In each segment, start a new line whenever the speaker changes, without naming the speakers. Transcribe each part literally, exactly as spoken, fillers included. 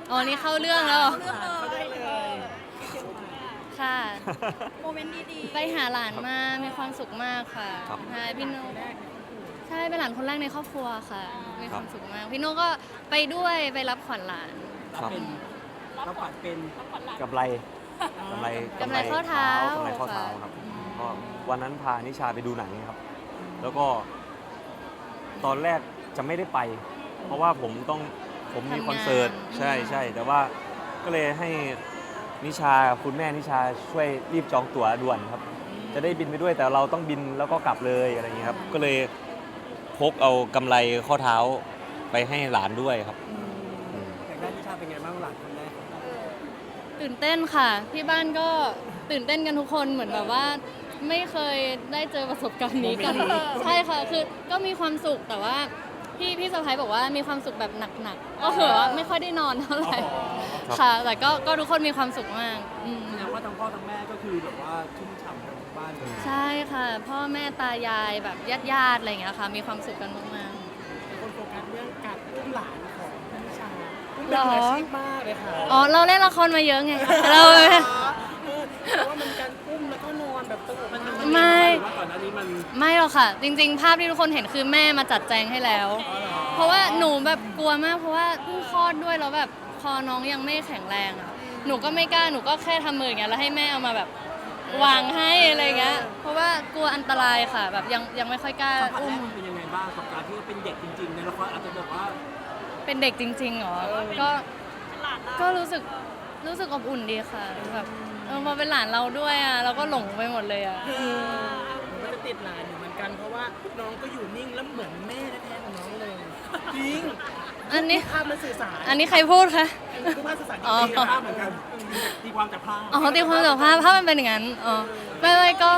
อ๋อนี่เข้าเรื่องแล้วเหรอ
เรื่องเลยเลย
ค่ะ
โมเมนต์ดีๆ
ไปหาหลานมา มีความสุขมากค่ะ
ครับ
ใช่พี่โน่ใช่เป็นหลานคนแรกในครอบครัวค่ะ มีความสุขมาก พี่โน่ก็ไปด้วยไปรับขวัญหลาน
ครับ
เป็นรับขวัญเป็น
กำไรกำไร
กำไรข้อเท้าก
ำไรข้อเท้า
ค่ะ
ครับก็วันนั้นพานิชาไปดูหนังครับ แล้วก็ตอนแรกจะไม่ได้ไป เพราะว่าผมต้องผมมีคอนเสิร์ต
ทำงาน
ใช่ใช่แต่ว่าก็เลยให้นิชาคุณแม่นิชาช่วยรีบจองตั๋วด่วนครับ จะได้บินไปด้วยแต่เราต้องบินแล้วก็กลับเลยอะไรอย่างนี้ยครับก็เลยพกเอากำไรข้อเท้าไปให้หลานด้วยครับอืม
อยากได้นิชาเป็นไงบ้างหลานคนแรก
ตื่นเต้นค่ะ ที่บ้านก็ตื่นเต้นกันทุกคนเหมือนแบบว่า ไม่เคยได้เจอประสบการณ์นี้กัน ใช่ค่ะ คือก็มีความสุขแต่ว่าพี่พี่สะพ้ายบอกว่ามีความสุขแบบหนักๆก็คือว่าไม่ค่อยได้นอนเท่าไหร่
ครับ
ค่ะ แต่ก็ก็ทุกคนมีความสุขมากอืม
แสดงว่าทั้งพ่อทั้งแม่ก็คือแบบว่าชุ่มฉ่ำกันทั้งบ้านเลย
ใช่ค่ะ พ่อแม่ตายายแบบญาติญาติๆอะไรอย่างเงี้ยค่ะ มีความสุขกันมาก
คนโฟกัสเรื่องการอุ้มหลานของนิชาอุ้ม
หร
เป็น
อ
มืออาชีพมากเลยค่ะ
ๆอ๋อเราเล่นละครมาเยอะไงเรา
เออเพราะว่ามันการอุ้มแล้วก็นอนแบบสงบมันมัน
ไม่
หรือว่าก่อนหน้านี้มัน
ไม่หรอกค่ะ จริง ๆ ภาพที่ทุกคนเห็นคือแม่มาจัดแจงให้แล้ว เพราะว่าหนูแบบกลัวมากเพราะว่าเพิ่งคลอดด้วยแล้วแบบคอน้องยังไม่แข็งแรงอ่ะหนูก็ไม่กล้าหนูก็แค่ทำมืออย่างเงี้ยแล้วให้แม่เอามาแบบวางให้อะไรเงี้ยเพราะว่ากลัวอันตรายค่ะ แบบยังยังไม่ค่อยกล้า
สัมผัส
อุ้
แร
ม
กมันเป็นยังไงบ้างกับการที่เป็นเด็กจริงๆในละครอาจจะแบบว่า
เป็นเด็กจริงๆเหรอก็ก็รู้สึกรู้สึกอบอุ่นดีค่ะแบบเออพอเป็นหลานเราด้วยอ่ะเราก็หลงไปหมดเลยอ่ะ
ผมก็จะติดหลานอยู่เหมือนกันเพราะว่าน้องก็อยู่นิ่งแล้วเหมือนแม่แท้ๆของน้องเลยจริง
อันนี้
ภาพมันสื่อสาร
อันนี้ใครพูดคะ
คือภาพสื่อสารจ
อ๋อ
ริงๆ
ภาพเหมือนกันตีความจากภาพ
อ๋อตีความจากภาพภาพมันเป็นอย่างนั้นอ๋อไม่ไม่ก็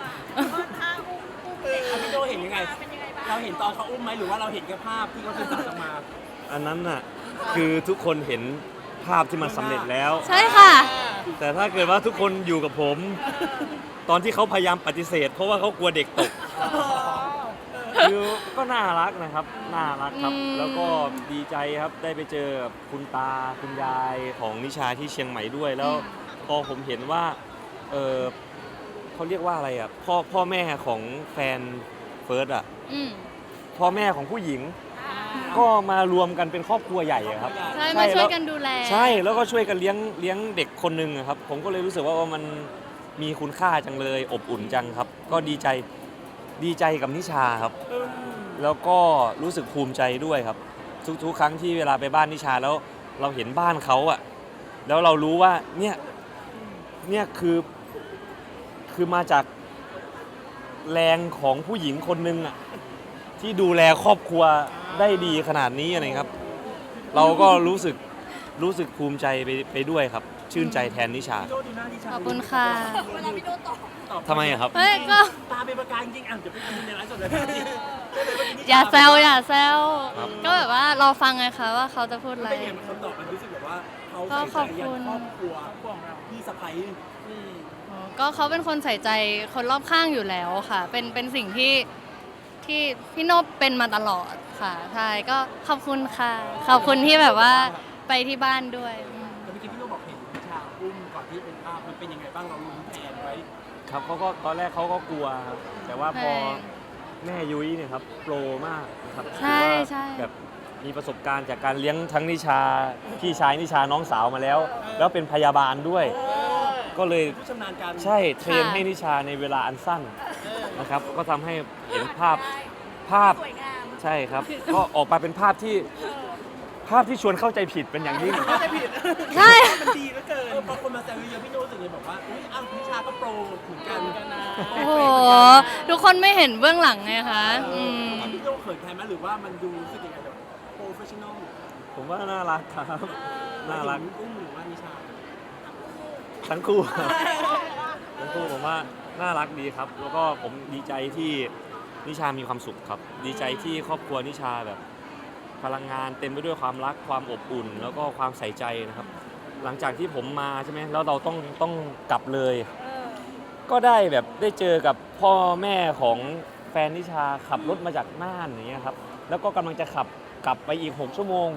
อ่ะพี่โจเห็นยังไง เราเห็นตอนเขาอุ้มไหมหรือว่าเราเห็นแค่ภาพที่เขาสื่อสารออกมา
อันนั้นน่ะคือทุกคนเห็นภาพที่มันสำเร็จแล้ว
ใช่ค่ะ
แต่ถ้าเกิดว่าทุกคนอยู่กับผม ตอนที่เขาพยายามปฏิเสธ เพราะว่าเขากลัวเด็กตกคือก็น่ารักนะครับน่ารักครับ
อืม
แล้วก็ดีใจครับได้ไปเจอกับคุณตาคุณยายของนิชาที่เชียงใหม่ด้วย แล้วพอผมเห็นว่าเออเขาเรียกว่าอะไรอ่ะพ่อพ่อแม่ของแฟนเฟิร์สอ่ะ
อืม
พ่อแม่ของผู้หญิง ก็มารวมกันเป็นครอบครัวใหญ่อะครับ
ใช่มาช่วยกันดูแล
ใช่แล้วก็ช่วยกันเลี้ยงเลี้ยงเด็กคนหนึ่งอะครับ ผมก็เลยรู้สึกว่ามันมีคุณค่าจังเลย อบอุ่นจังครับ ก็ดีใจดีใจกับนิชาครับ แล้วก็รู้สึกภูมิใจด้วยครับ ทุกๆ ครั้งที่เวลาไปบ้านนิชาแล้วเราเห็นบ้านเขาอะแล้วเรารู้ว่าเนี่ยเนี่ยคือคือมาจากแรงของผู้หญิงคนหนึ่งอะที่ดูแลครอบครัวได้ดีขนาดนี้อะไรครับ เราก็รู้สึกรู้สึกภูมิใจไปไปด้วยครับ ชื่นใจแทนนิชา
พี่โจดูหน้านิชา
ขอบคุณค่ะ
เวลาพี่โดตอบ
ตอบ
ทำไมอะครับ
เฮ้ยก็
ตาเป็นประกายจริงๆอ่ะเดี๋ยวไปดูในไลฟ์สดเลย
อย่าแซวอย่าแซว
ครับ
ก็แบบว่าเราฟังไงคะว่าเขาจะพูดอะไร
เป็นไงมันคำตอบมันรู้สึกแบบว่าเขา
ก็
ใส่
ขอบ
ใจ
คุ
ยั
ณ
นครอบครัวของเราพี่สะใภ้
อ๋อก็เขาเป็นคนใส่ใจคนรอบข้างอยู่แล้วค่ะ เป็นเป็นสิ่งที่ที่พี่โนบเป็นมาตลอดค่ะ ใช่ก็ขอบคุณค่ะ ขอบคุณที่แบบว่าไปที่บ้านด้วยอืม
แต่เมื่อกี้พี่โจบอกเห็นนิชาอุ้มก่อนที่เป็นภาพมันเป็นยังไงบ้างเราลุ้นแทนไว้
ครับเขาก็ตอนแรกเขาก็กลัวครับแต่ว่าพอ
ใช่
แม่ยุ้ยเนี่ยครับโปรมากนะครับ
ใช่
ถือว่า
ใช่
แบบมีประสบการณ์จากการเลี้ยงทั้งนิชาพี่ชายนิชาน้องสาวมาแล้ว แล้วเป็นพยาบาลด้วย ก็เลย
ผู้ชำนาญการ
ใช่เทรนให้นิชาในเวลาอันสั้นนะครับ ก็ทำให้เห็นภาพภาพ
สวยงาม
ใช่ครับ ก็ออกมาเป็นภาพที่ภาพที่ชวนเข้าใจผิดเป็นอย่างยิ่ง
เข้าใจผิด
ใช่
มันดีเหลือเกินพอคนมาแซวเยอะๆพี่โจรู้สึกเลยบอกว่าอุ้ยอ้าวนิชาก็โปรเหมือนกันนะ
โอ้โห ทุกคนไม่เห็นเบื้องหลังไงคะอืม
พี่โจเขินแทนไหมหรือว่ามันดูรู้สึกยังไงแบบโปรเฟชชั่นอล
ผมว่าน่ารักครับ น่ารัก
อุ้มหรือว่านิชา
ทั้งคู่ครับทั้งคู่ผมว่าน่ารักดีครับ แล้วก็ผมดีใจที่นิชามีความสุขครับ ดีใจที่ครอบครัวนิชาแบบ พลังงานเต็มไปด้วยความรักความอบอุ่น แล้วก็ความใส่ใจนะครับ หลังจากที่ผมมาใช่ไหมแล้วเราต้องต้องกลับเลย ก็ได้แบบได้เจอกับพ่อแม่ของแฟนนิชาขับรถมาจากน่านอย่างเงี้ยครับ แล้วก็กำลังจะขับกลับไปอีกหกชั่วโมง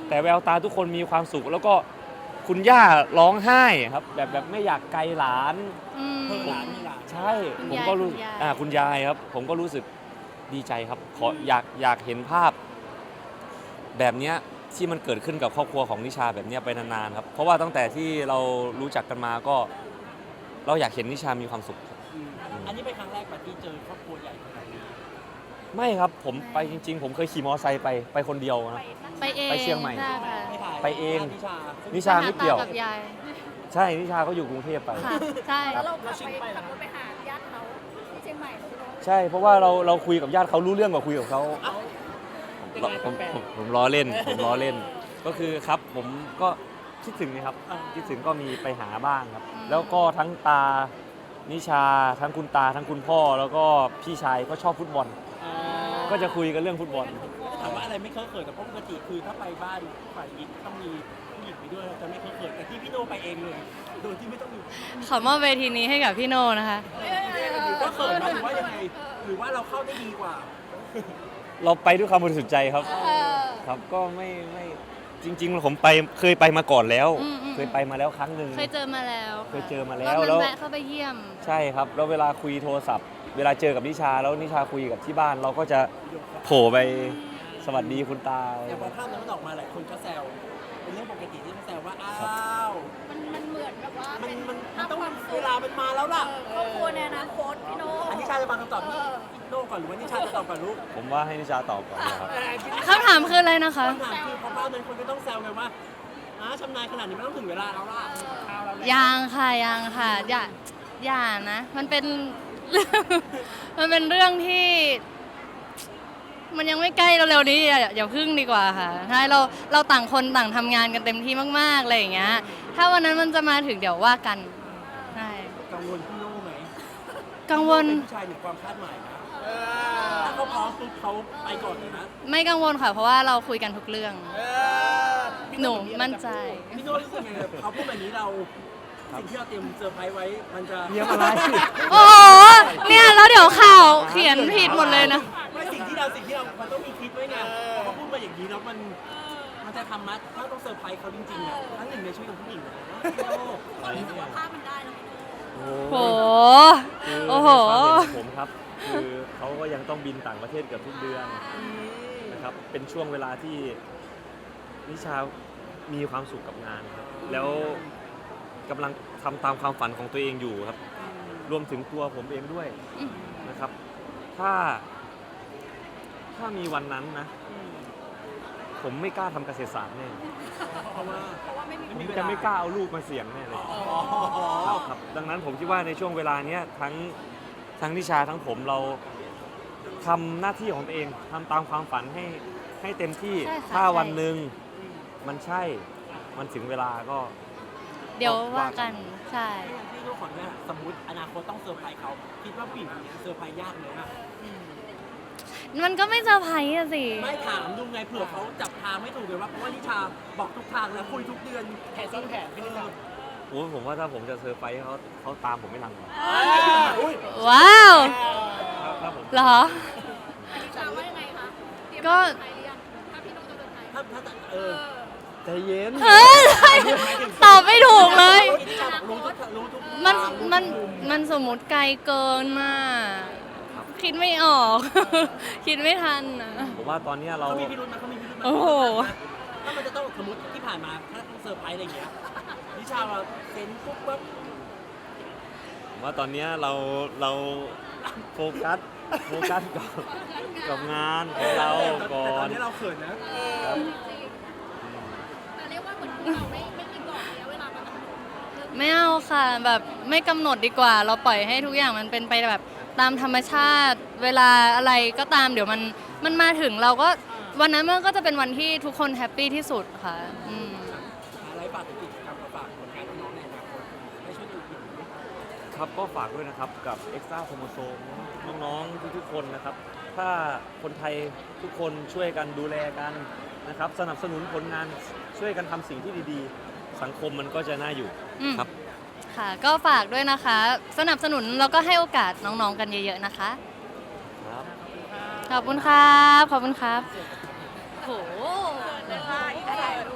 แต่แววตาทุกคนมีความสุข แล้วก็คุณย่าร้องไห้ครับแบบแบบไม่อยากไกลหลาน
อืม
เพิ่งหลานมีหลาน
ใช่
คุณ
ผม
ยาย
ก็รู้
คุณยาย
อ่าคุณยายครับ ผมก็รู้สึกดีใจครับขออยากอยากเห็นภาพ แบบเนี้ยที่มันเกิดขึ้นกับครอบครัวของนิชาแบบเนี้ยไปนานๆครับเพราะว่าตั้งแต่ที่เรารู้จักกันมาก็ เราอยากเห็นนิชามีความสุขครับ
อืมอันนี้เป็นครั้งแรกปะที่เจอครอบครัวใหญ่ขนาดนี้
ไม่ครับผมไปจริง ๆ ผมเคยขี่มอเตอร์ไซค์ไปไปคนเดียวนะ
ไปเอง
ไปเชียงใหม่
ใช่ค่ะ
ไม่ถ่าย
ไปเอง
นิชา
นิชาไม่เกี่ยว
ปหาตากับยาย
ใช่นิชาเขาอยู่กรุงเทพไป
ค่ะใช่
แล้วเราขับไปขับรถไปหาญาติเขาที่เชียงใหม่แล้วพี่โน้ต
ใช่เพราะว่าเราเราคุยกับญาติเขารู้เรื่องกว่าคุยกับเขา
เป็น
ผม
ไง
ผม
แปลก
ผมผมล้อเล่น ผมล้อเล่น ก็คือครับผมก็คิดถึงนะครับคิดถึงก็มีไปหาบ้างครับ แล้วก็ทั้งตานิชาทั้งคุณตาทั้งคุณพ่อ แล้วก็พี่ชายก็ชอบฟุตบอล
อ่า
ก็จะคุยกันเรื่องฟุตบอล
ถามว่าอะไรไม่เคอะเขินแต่ปกติคือถ้าไปบ้านฝ่ายหญิงต้องมีผู้หญิงไปด้วยเราจะไม่เคอะเขินแต่ที่พี่โนไปเองเลยโดยที่ไม่ต้องมี
ขอมอบเวทีนี้ให้กับพี่โนนะคะ
หรือว่าเขินไหมหรือว่ายังไงหรือว่าเราเข้าได้ดีกว่า
เราไปด้วยความบริสุทธิ์ใจครับ
เออ
ครับก็ไม่ไม่จริง ๆ ผมไปเคยไปมาก่อนแล้ว
อืมอืม
เคยไปมาแล้วครั้งหนึ่ง
เคยเจอมาแล้วะ
เคยเจอมาแล้ว
รอบนั้น
แล้ว
แวะเข้าไปเยี่ยม
ใช่ครับแล้วเวลาคุยโทรศัพท์ เวลาเจอกับนิชาแล้วนิชาคุยกับที่บ้าน เราก็จะโผล่ไปสวัสดีคุณตา
แต่พอภาพนั้นมันออกมาหลายคนก็แซวเป็นเรื่องปกติที่เขาแซวว่าอ้าว
มันมันเหมือนแบบว่า
มัน
เป็น
มันมั
ภาน พ
ต้อง
ความสุ
เว
ข
ลามันมาแล้วล่ะ
เออครอบครัวในอนาคตพี่โน้ต
อันนี้ชาจะมาคำตอบที่โน่ก่อนหรือว่านิชาจะตอบก่อนลูก
ผมว่าให้นิชาตอบก่อนนะครับ
คำถามคืออะไรนะคะ
คำถามคือพอภาพนั้นคนก็ต้องแซวกันว่าอ้าชำนาญขนาดนี้ไม่ต้องถึงเวลาแล้วล่ะ
ยังค่ะยังค่ะอย่าอย่านะ มันเป็น มันเป็นเรื่องที่ มันยังไม่ใกล้เร็วๆนี้อย่าอย่าพึ่งดีกว่าค่ะใช่เราเราต่างคนต่างทำงานกันเต็มที่มากๆอะไรอย่างเงี้ย ถ้าวันนั้นมันจะมาถึงเดี๋ยวว่ากันใช่
กังวลพี่โน่ไหม
กังวล
เป็นผู้ชายเหนือความคาดหมายนะถ้าเขาพร้อมปุ๊บเขาไปก่อนเลยนะ
ไม่กังวลค่ะ เพราะว่าเราคุยกันทุกเรื่อง หนูมั่นใจ
พี่โน่รู้สึกไงกับเขาพูดแบบนี้เราสิ่งที่เราเตรียมเซอร์ไพรส์ไว้มันจะ
เยี่ยมอะไร
โอ้โหเนี่ยแล้วเดี๋ยวข่าวเขียนผิดหมดเลยนะ
ไม่สิ่งที่เราสิ่งที่เรามันต้องมีคิดไว้ไงพอเขาพูดมาอย่างนี้แล้วมันมันจะทำมัดถ้าต้องเซอร์ไพรส์เขาจริงๆอ่ะครั้งหนึ่งในชีวิตของผู้หญิงนะพี่โน่
คนรู้สึกว่าภาพมันได้แล้วพี่โน้ต
โห
คือ
โอ้โห
ในความเห็นของผมครับ คือเขาก็ยังต้องบินต่างประเทศเกือบทุกเดือนนะครับ เป็นช่วงเวลาที่นิชามีความสุขกับงานครับ แล้วกำลังทำตามความฝันของตัวเองอยู่ครับ รวมถึงตัวผมเองด้วยนะครับ ถ้า ถ้ามีวันนั้นนะ ผมไม่กล้าทำเกษตรศาสตร์แน่
เพราะว่า
เพราะว่าไม่มี
ผมจะไม่กล้าเอาลูกมาเสี่ยงแน่เลยครับครับ ดังนั้นผมคิดว่าในช่วงเวลาเนี้ยทั้งทั้งนิชาทั้งผมเราทำหน้าที่ของตัวเองทำตามความฝันให้ให้เต็มที่
ใช่ค่ะ
ถ้า
ใช่
วันหนึ่งมันใช่ มันถึงเวลาก็
เดี๋ยวว่ากันใช่
พี่โน่ขอเนี่ยสมมติอนาคตต้องเซอร์ไพรส์เขาคิดว่าผู้หญิงคนนี้เซอร์ไพรส์ยากไหมอ่ะ
มันก็ไม่เซอร์ไพรส์อะสิ
ไม่ถามดูไงเผื่อเขาจับทางไม่ถูกเลยว่าเพราะว่านิชาบอกทุกทางแล้วคุยทุกเดือน
แผนซ้อนแผนพี่นิชา
โอ้ยผมว่าถ้าผมจะเซอร์ไพรส์เขาเขาตามผมไม่ทันหรอก
ว้าว
ถ้าถ้าผม
เหรอ
นิชาว่ายังไงคะเตรียม
ก็
เซอร์ไพรส์หรือยังถ้าพี่โน้ตจะเซอร์ไพรส์
ถ้าถ้าเออ
ใจเย็น
เฮ้ยตอบไม่ถูกเลย
นิชาบอกรู้ทุกรู้ทุก
มันมันมันสมมติไกลเกินน่ะคิดไม่ออก คิดไม่ทันนะ
ผมว่าตอนเนี้ยเรา
เขามีพิรุธนะเขามีพิรุธนะ
โอ้โห
ถ้ามันจะต้องสมมติที่ผ่านมาถ้าต้องเซอร์ไพรส์อะไรอย่างเงี้ยนิชาว่าเซ็นปุ๊บปั๊บ
ผมว่าตอนเนี้ยเราเราโฟกัสโฟกัสกับกับงานของเราก่อ
แต่ตอน นนี้เราเขินนะ
ครับ
แต่เรียกว่าเหมือนเราไม่ไม่มีกรอบระยะเวลาประมาณ
ไม่เอาค่ะแบบไม่กำหนดดีกว่า เราปล่อยให้ทุกอย่างมันเป็นไปแบบตามธรรมชาติ เวลาอะไรก็ตามเดี๋ยวมันมันมาถึงเราก็วันนั้นมันก็จะเป็นวันที่ทุกคนแฮปปี้ที่สุดค่ะอืม
อะไรฝากถึงกิจกรรมกับฝากผลงานน้องๆในอนาคตให้ช่วยดูอีก
ครับก็ฝากด้วยนะครับกับ Extra Chromosome น้องๆทุกๆคนนะครับ ถ้าคนไทยทุกคนช่วยกันดูแลกันนะครับ สนับสนุนผลงานช่วยกันทำสิ่งที่ดีๆ สังคมมันก็จะน่าอยู่
อืม
ครับ
ค่ะก็ฝากด้วยนะคะ สนับสนุนแล้วก็ให้โอกาสน้องๆกันเยอะๆนะคะ
ครับ
ขอบคุณครับขอบคุณครับโห
เลยค่ะ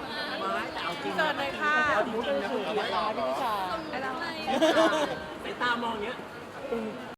จริง
เกิดเลยค่ะ
เอาจริงๆนะคุณ
พี่ชา
สายตามองอย่างเงี้ย